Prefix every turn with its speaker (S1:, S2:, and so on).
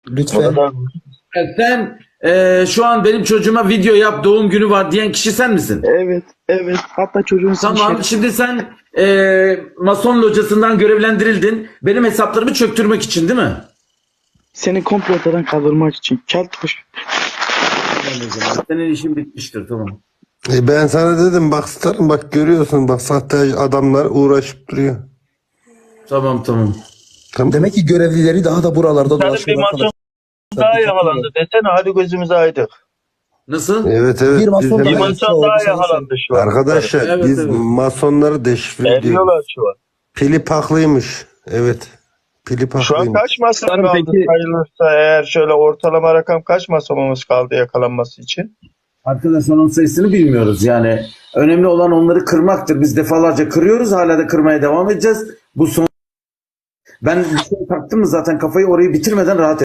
S1: Lütfen.
S2: Orada
S3: Sen şu an benim çocuğuma video yap, doğum günü var diyen kişi sen misin?
S2: evet. Hatta çocuğun
S3: Tamam, şimdi sen Mason locasından görevlendirildin. Benim hesaplarımı çöktürmek için değil mi?
S2: seni komple ortadan kaldırmak için. Keltoş.
S3: Senin işin bitmiştir, tamam.
S4: Ben sana dedim bak starım, bak görüyorsun, bak sahte adamlar uğraşıp duruyor.
S3: Tamam.
S4: Tamam.
S1: Demek ki görevlileri daha da buralarda
S2: Senin bir
S1: dolaşıyor
S2: maçın
S1: arkadaşlar.
S2: daha yakalandı desene, hadi gözümüz aydın.
S3: Nasıl?
S4: Evet.
S1: Bir mason
S4: Biz
S2: Bir
S1: daha-
S4: hemen-
S2: maçın daha yakalandı şu an.
S4: Arkadaşlar
S3: Evet,
S4: biz
S3: evet.
S4: masonları deşifre ediyoruz.
S2: Eriyorlar şu an.
S4: Pili paklıymış. Evet. Pili
S2: Şu an
S4: paklıymış.
S2: kaç mason
S5: Tabii
S2: kaldı
S5: peki-
S2: sayılırsa eğer, şöyle ortalama rakam kaç masonumuz kaldı yakalanması için?
S3: Arkadaşlar onun sayısını bilmiyoruz yani. Önemli olan onları kırmaktır. Biz defalarca kırıyoruz. Hala da kırmaya devam edeceğiz. Bu son... Ben bir şey taktım mı zaten kafayı orayı bitirmeden rahat